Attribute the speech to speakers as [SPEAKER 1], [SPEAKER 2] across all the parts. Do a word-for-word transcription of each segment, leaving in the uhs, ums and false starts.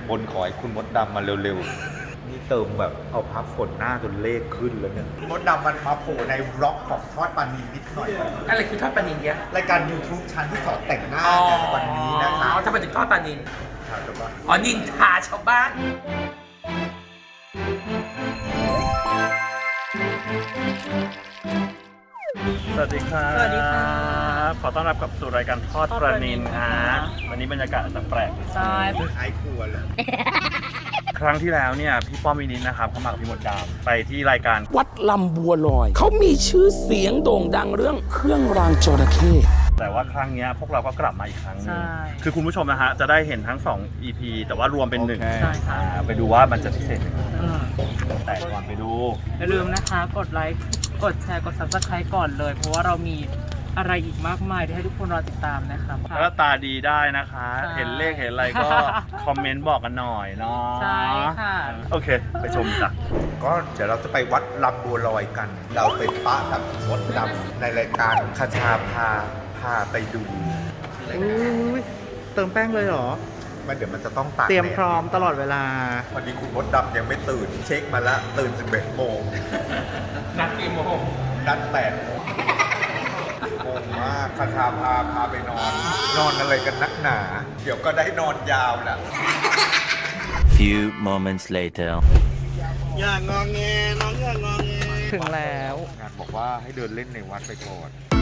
[SPEAKER 1] บนขอให้คุณมดดำมาเร็วๆนี่เติมแบบเอาพับฝนหน้าจนเลขขึ้นแล้วเนี่ยมดดำมันมาโผล่ในบล็อกของทอดปานีนิดหน่อย
[SPEAKER 2] อะไรคือทอดปลานิลเนี่ย
[SPEAKER 1] รายการ YouTube ชั้นที่สอนแต่งหน้าในวันนี้นะคะ
[SPEAKER 2] อ๋อทำไมถึงทอดปลานิล
[SPEAKER 1] ค่ะแต่ว่า
[SPEAKER 2] อ๋อนินทาชาวบ้าน
[SPEAKER 3] สวัสดีครับ
[SPEAKER 2] สวัสดีค่ะ
[SPEAKER 3] ขอต้อนรับกลับสู่รายการทอดปลานิลฮะวันนี้บรรยากาศอาจจะแปลกนิดนึง
[SPEAKER 2] ใช่
[SPEAKER 1] ท้ายครัวเลย
[SPEAKER 3] ครั้งที่แล้วเนี่ยพี่ป้อมวินิตนะครับเขามากับพี่มดดำไปที่รายการ
[SPEAKER 4] วัดลำบัวลอย เขามีชื่อเสียงโด่งดังเรื่องเครื่องรางจระเข้
[SPEAKER 3] แต่ว่าครั้งเนี้ยพวกเราก็กลับมาอีกครั้งหนึง
[SPEAKER 2] ใช่
[SPEAKER 3] คือคุณผู้ชมนะฮะจะได้เห็นทั้งสอง อี พี แต่ว่ารวมเป็นหนึ่ง
[SPEAKER 2] ใช่ค่ะ
[SPEAKER 3] อ่าไปดูว่ามันจะพิเศษยังไง
[SPEAKER 2] อืม
[SPEAKER 3] แต่ก่อนไปดู
[SPEAKER 5] อย่าลืมนะคะ กดไลค์ กดแชร์ กด ซับสไครต์ ก่อนเลย เพราะว่าเรามีอะไรอีกมากมายที่ให้ทุกคนรอติดตามนะคะ
[SPEAKER 3] แล้วตาดีได้นะคะ
[SPEAKER 5] ใช่
[SPEAKER 3] เห็นเลขเห็นอะไรก็ คอมเมนต์บอกกันหน่อยเนาะ
[SPEAKER 5] ใช่ค่ะ
[SPEAKER 3] โอเค ไปชมจ้ะ
[SPEAKER 1] ก็เดี๋ยวเราจะไปวัดลำบัวลอยกัน เราไปปะกับมดดำในรายการคชาพาพาไปดู
[SPEAKER 6] เติมแป้งเลยเหรอ
[SPEAKER 1] มันเดี๋ยวมันจะต้องตาก
[SPEAKER 6] เตรียม
[SPEAKER 1] แดด
[SPEAKER 6] พร้อมตลอดเวลา
[SPEAKER 1] วันนี้คุณมดดำยังไม่ตื่น เช็คมาแล้วตื่นสิบเอ็ดโมง
[SPEAKER 2] นัดกี่โมง
[SPEAKER 1] นัดแปดโมงงงมากคชาพาพาไปนอน นอนอะไรกันนักหนา เดี๋ยวก็ได้นอนยาวแหละ
[SPEAKER 7] Few moments later.
[SPEAKER 6] อย่างงองแงน้องอย่างงองแง ถึงแล้ว
[SPEAKER 1] งานบอกว่าให้เดินเล่นในวัดไปก่อน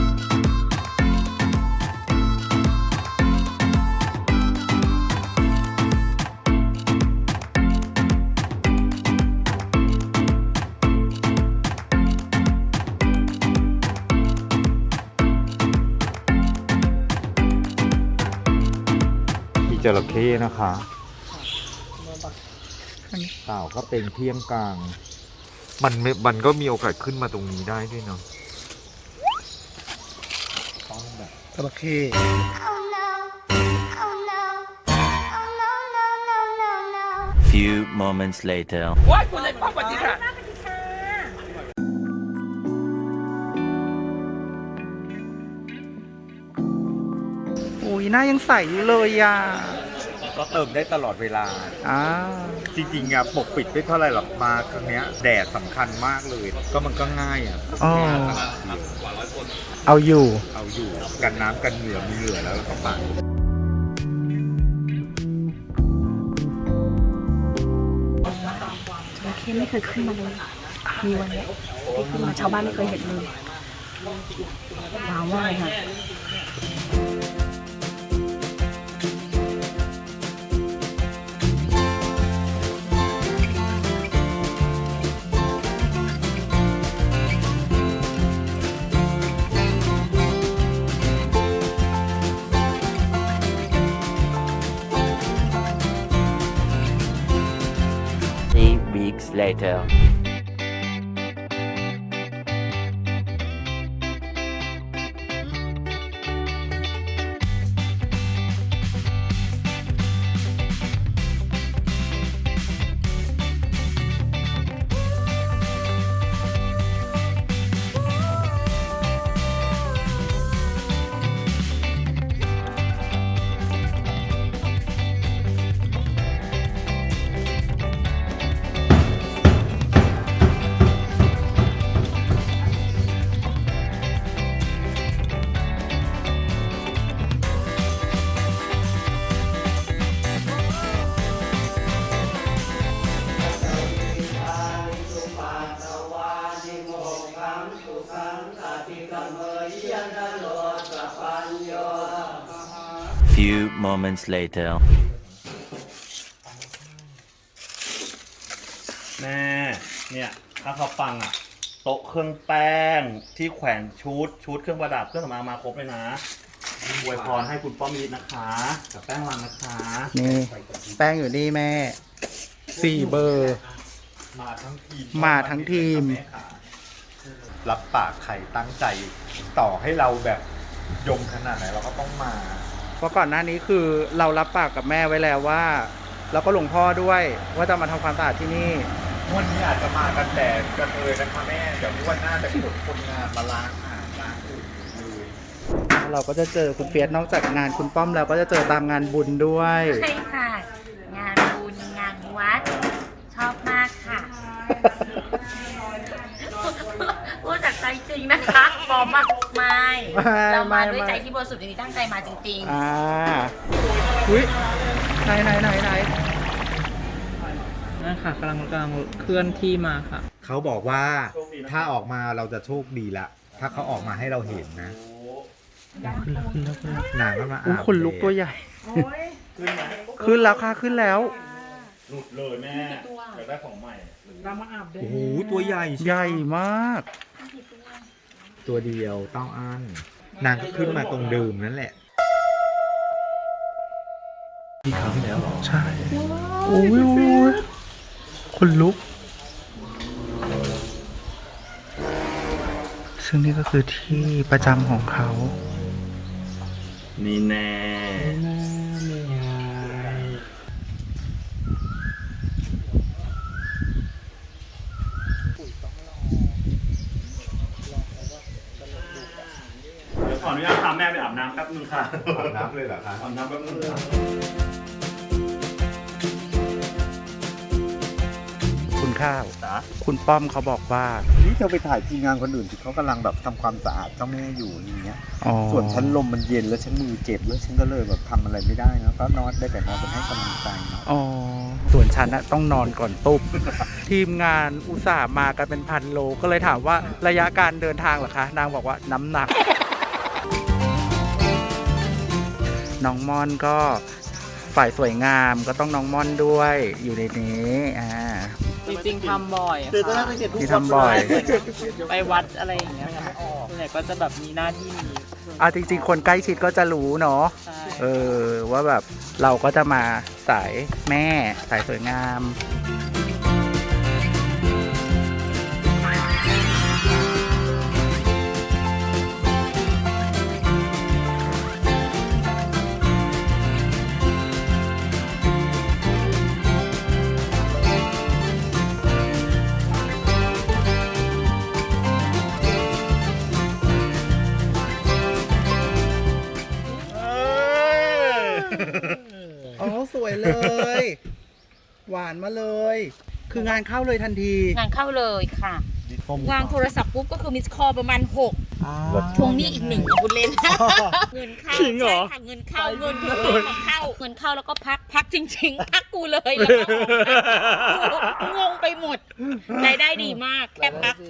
[SPEAKER 1] มีจระเข้นะคะเต่าก็เป็นเที่ยงกลาง มันไม่มันก็มีโอกาสขึ้นมาตรงนี้ได้ด้วยเนาะต้องแบบ
[SPEAKER 6] จระเข้
[SPEAKER 8] Oh no. Oh no. Oh no, no, no, no, no.
[SPEAKER 7] Few moments later.
[SPEAKER 2] ว้ายคุณนายป้อมสวัสดีค่ะ
[SPEAKER 6] อุ้ยหน้ายังใสอยู่เลยอ่ะ
[SPEAKER 1] ก็เติมได้ตลอดเวลา
[SPEAKER 6] อ่า
[SPEAKER 1] จริงๆอะปกปิดไม่เท่าไหร่หรอกมาครั้งเนี้ยแดดสำคัญมากเลย ก็มันก็ง่ายอะ
[SPEAKER 6] อ๋อ เอาอยู่
[SPEAKER 1] เอาอยู่กันน้ำกันเหงื่อมีเหงื่อแล้วแล้วก็ปัด
[SPEAKER 9] จระเข้ไม่เคยขึ้นมาเลย มีวันเนี้ยที่ขึ้นมาชาวบ้านไม่เคยเห็นเลยว้าวมากเลยค่ะ
[SPEAKER 7] Three weeks later. Few moments later.
[SPEAKER 3] แม่เนี่ยถ้าเขาฟังอ่ะโต๊ะเครื่องแป้งที่แขวนชุดชุดเครื่องประดับเครื่องสำอางมาครบเลยนะอวยพรให้คุณป้อมมิตรนะคะกับแป้งรังนะคะ
[SPEAKER 6] นี่ แป้งอยู่นี่แม่ สี่เบอร์
[SPEAKER 1] มาทั้งทีม
[SPEAKER 6] มาทั้งทีม
[SPEAKER 1] รับปากใครตั้งใจ ต่อให้เราแบบยมขนาดไหนเราก็ต้องมา
[SPEAKER 6] เพราะก่อนหน้านี้คือเรารับปากกับแม่ไว้แล้วว่า แล้วก็หลวงพ่อด้วยว่าจะมาทำความสะอาดที่นี่
[SPEAKER 1] วันนี้อาจจะมากันแต่กระเทยนะคะแม่ เดี๋ยววันหน้าจะขนคนงานมาล้างอ่างล้างอุ่นเลย
[SPEAKER 6] เราก็จะเจอคุณเฟียสนอกจากงานคุณป้อมแล้วก็จะเจอตามงานบุญด้วย
[SPEAKER 9] ใช่ค่ะ งานบุญ
[SPEAKER 10] พูดจากใจจริงนะคะบอมมากไม่เรามาด้วยใจที่บริสุทธิ์จริงๆตั้งใจมาจริงๆ
[SPEAKER 6] อ่าอุ้ยไหนไหนไหนไหน
[SPEAKER 5] นั่นค่ะกำลังกำลังเคลื่อนที่มาค่ะ
[SPEAKER 1] เขาบอกว่าถ้าออกมาเราจะโชคดีละ ถ้าเขาออกมาให้เราเห็นนะหนังก็มา
[SPEAKER 6] อุ้ย
[SPEAKER 1] อาบ
[SPEAKER 6] ขนลุกตัวใหญ่
[SPEAKER 3] ขึ้นไหม
[SPEAKER 6] ขึ้นแล้วค่ะขึ้นแล้ว
[SPEAKER 3] หลุดเลยแม่อยากได้ของใหม่
[SPEAKER 1] โอ้โหตัวใหญ่
[SPEAKER 6] ใหญ่มาก
[SPEAKER 1] ตัวเดียวเต้าอั้นนางก็ขึ้นมาตรงเดิมนั่นแหละ
[SPEAKER 3] ที่ครั้งแล้วหรอ
[SPEAKER 6] ใช่โอ้ยโอ้ยขนลุก ซึ่งนี่ก็คือที่ประจำของเขา
[SPEAKER 3] นี่แน่ เดี๋ยวขออนุญาตพาแม่ไปอาบน้ำแป๊บนึงค่ะ
[SPEAKER 1] อาบน้ำเลยเหรอคะ
[SPEAKER 3] อาบน้ำแป๊บนึงค่ะ
[SPEAKER 6] คุณข้าว
[SPEAKER 3] จ๋า
[SPEAKER 6] คุณป้อมเขาบอกว่า
[SPEAKER 1] นี่เธอไปถ่ายทีมงานคนอื่นที่เขากำลังแบบทำความสะอาดเจ้าแม่อยู่อย่างเงี้ย
[SPEAKER 6] อ๋อ
[SPEAKER 1] ส่วนฉันลมมันเย็นแล้วฉันมือเจ็บแล้วฉันก็เลยแบบทำอะไรไม่ได้นะก็นอนได้แต่นอนเป็นให้กำลังใจเนาะ
[SPEAKER 6] อ๋อ ส่วนฉันนะต้องนอนก่อนตุ๊บ ทีมงานอุตส่าห์มากันเป็นพันโล ก็เลยถามว่าระยะการเดินทางเหรอคะ นางบอกว่าน้ำหนัก น้องม่อนก็ฝ่ายสวยงามก็ต้องน้องม่อนด้วยอยู่ในนี้อ่า
[SPEAKER 5] จริงๆทำบ่อยค่ะ
[SPEAKER 6] ที่ทำบ่อย
[SPEAKER 5] ไปวัดอะไรอย่างเงี้ยค่ะส่วนใหญ่ก็จะแบบมีหน้าที่นี้
[SPEAKER 6] อ่าจริงๆ คนใกล้ชิดก็จะรู้เนาะ
[SPEAKER 5] ใช่
[SPEAKER 6] เออว่าแบบเราก็จะมาสายแม่สายสวยงาม อ๋อสวยเลย หวานมาเลย คืองานเข้าเลยทันที
[SPEAKER 10] งานเข้าเลยค่ะ วางโทรศัพท์ปุ๊บก็คือมิสคอลประมาณหก
[SPEAKER 6] อ่า
[SPEAKER 10] ทวงหนี้อีกหนึ่งคุณเล่น เงินเข้า
[SPEAKER 6] จริงเหรอ
[SPEAKER 10] ใช่ค่ะเงินเข้าเงินเข้าเข้าเงินเข้าแล้วก็พักพักจริง ๆ พักกูเลยแล้วก็งงไปหมดรายได้ดีมากแค่พัก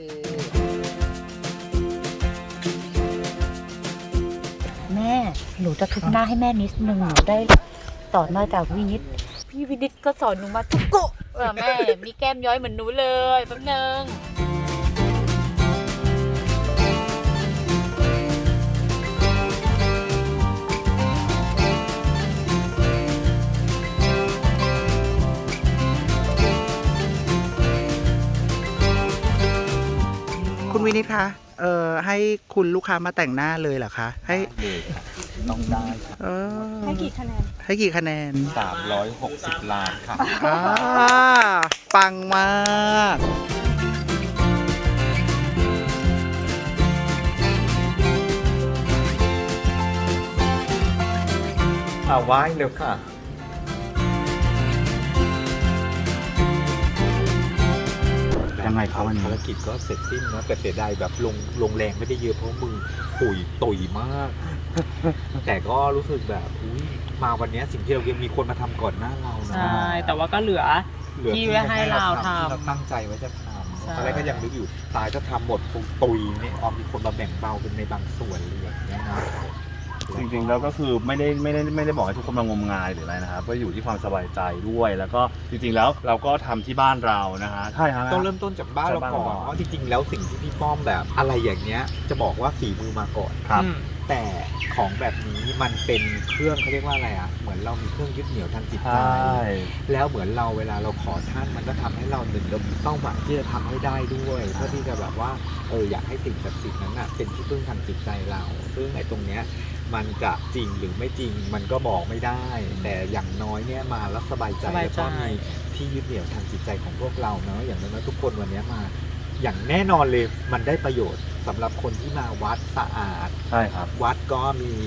[SPEAKER 10] แม่หนูจะทุบหน้าให้แม่นิดนึงหนูได้สอนมาจากวินิตพี่วินิตก็สอนหนูมาทุกโกะเออแม่มีแก้มย้อยเหมือนหนูเลยแป๊บนึง
[SPEAKER 6] คุณวินิตคะเอ่อให้คุณลูกค้ามาแต่งหน้าเลยเหรอคะ ให้
[SPEAKER 1] เลยค่ะต้องได้ค่ะ
[SPEAKER 6] เออ
[SPEAKER 9] ให้กี่คะแนน
[SPEAKER 6] ให้กี่คะแนน
[SPEAKER 1] สามร้อยหกสิบล้านค่ะ
[SPEAKER 6] อ่าปังมาก
[SPEAKER 1] อ่าไหว้เร็วค่ะ
[SPEAKER 3] ยังไงครับวันนี้
[SPEAKER 1] ภารกิจก็เสร็จสิ้นนะแต่เสียดายแบบลงลงแรงไม่ได้เยอะเพราะมือตุยตุยมาก แต่ก็รู้สึกแบบอุ้ยมาวันนี้สิ่งที่เรายังมีคนมาทำก่อนหน้าเรานะ
[SPEAKER 5] ใช่ แต่ว่าก็เหลือ
[SPEAKER 1] เหลือ
[SPEAKER 5] ที่ไว้ให้เราทำ
[SPEAKER 1] ที่เราตั้งใจไว้จะท
[SPEAKER 5] ใช่
[SPEAKER 1] ำตอนแรกก็ยังนึกอยู่ตายถ้าทำหมดคงตุยเนี่ยออมมีคนมาแบ่งเบาเป็นในบางส่วนเลยอย่างเงี้ยนะ
[SPEAKER 3] จริงๆแล้วก็คือไม่ได้ไม่ได้ไม่ได้บอกให้ทุกคนมางมงายหรืออะไรนะครับ ก็อยู่ที่ความสบายใจด้วย แล้วก็จริงๆแล้วเราก็ทำที่บ้านเรานะฮะใช่ครับ
[SPEAKER 1] ต้องเริ่มต้นจากบ้านเราก่อนเพราะจริงๆแล้วสิ่งที่พี่ป้อมแบบอะไรอย่างเงี้ยจะบอกว่าฝีมือมาก่อน
[SPEAKER 3] ครับ
[SPEAKER 5] อืม
[SPEAKER 1] แต่ของแบบนี้มันเป็นเครื่องเขาเรียกว่าอะไรอ่ะเหมือนเรามีเครื่องยึดเหนี่ยวทางจิต
[SPEAKER 3] ใช
[SPEAKER 1] ใจ
[SPEAKER 3] ่
[SPEAKER 1] แล้วเหมือนเราเวลาเราขอท่านมันก็ทำให้เราหนึ่งเรามีเป้าหมายที่จะทำให้ได้ด้วยเพื่อที่จะแบบว่าเอออยากให้สิ่งศักดิ์สิทธิ์นั้นอ่ะเป็นที่พึ่งทางจิตใจเราซึ่งไอ้ตรงเนี้ยมันจะจริงหรือไม่จริงมันก็บอกไม่ได้ แต่อย่างน้อยเนี่ยมาแล้วสบายใจ
[SPEAKER 5] สบาย
[SPEAKER 1] แล้ว
[SPEAKER 5] ใจ
[SPEAKER 1] ก็มีที่ยึดเหนี่ยวทางจิตใจของพวกเราเนาะอย่างน้อยๆทุกคนวันเนี้ยมา อย่างแน่นอนเลยมันได้ประโยชน์สำหรับคนที่มาวัดสะอาด
[SPEAKER 3] ใช่ครับ
[SPEAKER 1] วัดก็มี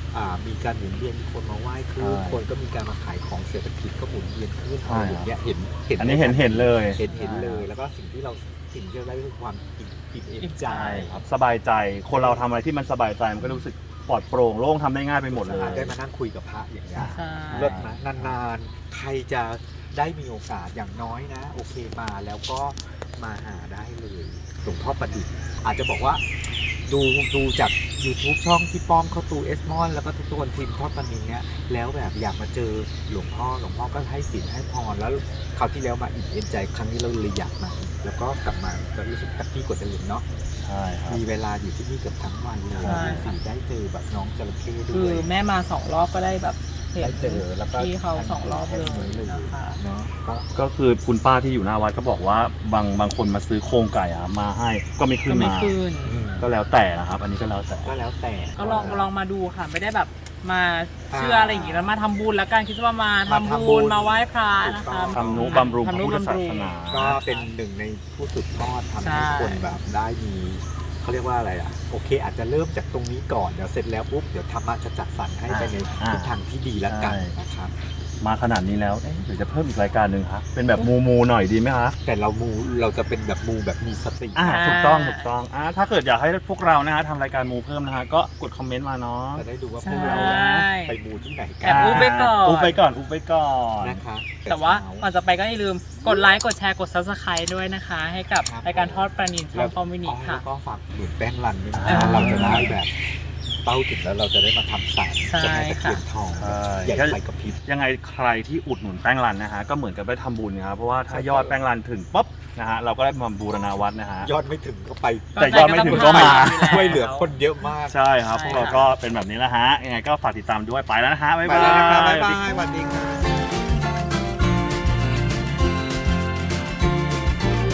[SPEAKER 1] อ่ามีการหมุนเวียนมีคนมาไหว้ขึ้น
[SPEAKER 3] ใช่
[SPEAKER 1] คนก็มีการมาขายของเศรษฐกิจก็หมุนเวียนขึ้น
[SPEAKER 3] ใช่
[SPEAKER 1] อะไรอย่างเงี้ยเห็นเห็น
[SPEAKER 3] อันนี้เห็นเห็นเลย
[SPEAKER 1] เห็นเห็นเลยแล้วก็สิ่งที่เราสิ่งที่เราได้คือความอิ่มอิ่มเอมใจ
[SPEAKER 3] ใช่ครับสบายใจคนเราทำอะไรที่มันสบายใจมันก็รู้สึกปลอดโปร่งโล่งทำได้ง่ายไปหมดเลย
[SPEAKER 1] ได้มานั่งคุยกับพระอย่างเงี้ย
[SPEAKER 5] ใช่
[SPEAKER 1] เลิศนะนานๆ ใครจะได้มีโอกาสอย่างน้อยนะ โอเคมาแล้วก็มาหาได้เลยหลวงพ่อประดิษฐ์อาจจะบอกว่าดูดูจาก YouTube ช่องพี่ป้อมเขาตูเอสมอนแล้วก็ทุกคนทีมทอดปานินเนี้ยแล้วแบบอยากมาเจอหลวงพ่อหลวงพ่อก็ให้ศีลให้พรแล้วคราวที่แล้วมาอิ่มเอ็มใจครั้งนี้เราเลยอยากมาอีกแล้วก็กลับมาก็รู้สึกแฮปปี้กว่าเดิมเนาะ
[SPEAKER 3] ใช่ครับ
[SPEAKER 1] มีเวลาอยู่ที่นี่เกือบทั้งวันเลย
[SPEAKER 5] ใช่
[SPEAKER 1] สีได้เจอแบบน้องจระเข้ด้
[SPEAKER 5] คือ
[SPEAKER 1] วย
[SPEAKER 5] แม่มาสองรอบก็ได้แบบเห็น
[SPEAKER 1] ได้เจอแล้วก็
[SPEAKER 5] พี่เขาสองรอบเลยนะคะ
[SPEAKER 1] เนาะก็
[SPEAKER 3] ก็คือคุณป้าที่อยู่หน้าวัดก็บอกว่าบางบางคนมาซื้อโครงไก่อะมาให้ก็ไม่ขึ้
[SPEAKER 5] ก็
[SPEAKER 3] น
[SPEAKER 5] ไม่
[SPEAKER 3] มา
[SPEAKER 5] ขึ้น
[SPEAKER 3] ก็แล้วแต่นะครับ อันนี้ก็แล้วแต่
[SPEAKER 1] ก็แล้วแต่
[SPEAKER 5] ก็ลองลองมาดูค่ะ ไม่ได้แบบมาเชื่ออะไรอย่างงี้แล้วมาทำบุญแล้วกันคิดว่ามาทำ
[SPEAKER 1] มาทำบุ
[SPEAKER 5] บุญ
[SPEAKER 1] ญ
[SPEAKER 5] มาไหว้พระนะคะ
[SPEAKER 3] ทำนุบำรุงพ
[SPEAKER 5] ทำ
[SPEAKER 3] ระ
[SPEAKER 5] นุ
[SPEAKER 3] พุทธ
[SPEAKER 5] บำ
[SPEAKER 3] ศา
[SPEAKER 5] รุ
[SPEAKER 3] ส
[SPEAKER 5] ง
[SPEAKER 3] นา
[SPEAKER 1] ก็เป็นหนึ่งในผู้สืบทอดทำ
[SPEAKER 5] ใช่
[SPEAKER 1] ให้คนแบบได้มีเขาเรียกว่าอะไรอ่ะโอเค อาจจะเริ่มจากตรงนี้ก่อนเดี๋ยวเสร็จแล้วปุ๊บเดี๋ยวธรรมะจะจัดสรรให้ไปใน
[SPEAKER 3] อ่า
[SPEAKER 1] ทิศทางที่ดีแล้วกัน
[SPEAKER 3] ใช่
[SPEAKER 1] นะครับ
[SPEAKER 3] มาขนาดนี้แล้วเอ๊ะหรือจะเพิ่มอีกรายการหนึ่งครับเป็นแบบมูมูหน่อยดีไหมคะ
[SPEAKER 1] แต่เรามูเราจะเป็นแบบมูแบบมีสติ
[SPEAKER 3] อ่าถูกต้องถูกต้องอ่าถ้าเกิดอยากให้พวกเรานะฮะทำรายการมูเพิ่มนะฮะก็กดคอมเมนต์มาเนาะ
[SPEAKER 1] จะได้ดูว่าพ
[SPEAKER 5] ใช่
[SPEAKER 1] วกเราไปมูที่ไหนกั
[SPEAKER 5] แอบอุ๊บไปก่อน
[SPEAKER 3] อุ๊บไปก่อนอุ๊บไปก่อน
[SPEAKER 1] นะคะ
[SPEAKER 5] แต่ว่าก่อนจะไปก็อย่าลืมกดไลค์กดแชร์กด ซับสไครบ์ ด้วยนะคะ ให้กับรายการทอดปลานิลช่องคอมมินิ
[SPEAKER 1] อ๋อ
[SPEAKER 5] ค่ะ
[SPEAKER 1] แล้วก็ฝากหนุนแป้งรันด้วยนะ
[SPEAKER 5] อ่า
[SPEAKER 1] เราจะได้แบบเป้าถึงแล้วเราจะได้มาทำสาร
[SPEAKER 5] ใช่
[SPEAKER 1] เจะแม่ตะเคียนทอง
[SPEAKER 3] ใช่
[SPEAKER 1] ใหญ่ไฟกระพริบ
[SPEAKER 3] ยังไงใครที่อุดหนุนแป้งรันนะฮะก็เหมือนกับได้ทำบุญนะครับเพราะว่าถ้ายอดแป้งรันถึงปุ๊บนะฮะเราก็ได้มาบูรณาวัดนะฮะ
[SPEAKER 1] ยอดไม่ถึงก็ไป
[SPEAKER 3] แต่ยอดไม่ถึงก็มา
[SPEAKER 1] ช่วยเหลือคนเยอะมาก
[SPEAKER 3] ใช่ครับ
[SPEAKER 5] ใช่
[SPEAKER 3] พวกเราก็เป็นแบบนี้แล้วฮะยังไงก็ฝากติดตามด้วยไปแล้วนะฮะบ๊าย
[SPEAKER 1] ไป
[SPEAKER 3] บาย
[SPEAKER 1] แล้วนะครับบ๊ายบายสวัสดีครับ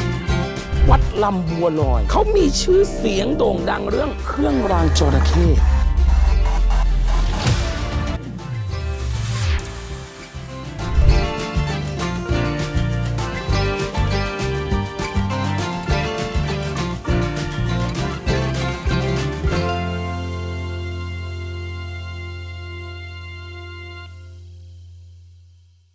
[SPEAKER 4] วัดลำบัวลอย เขามีชื่อเสียงโด่งดังเรื่องเครื่องรางจระเข้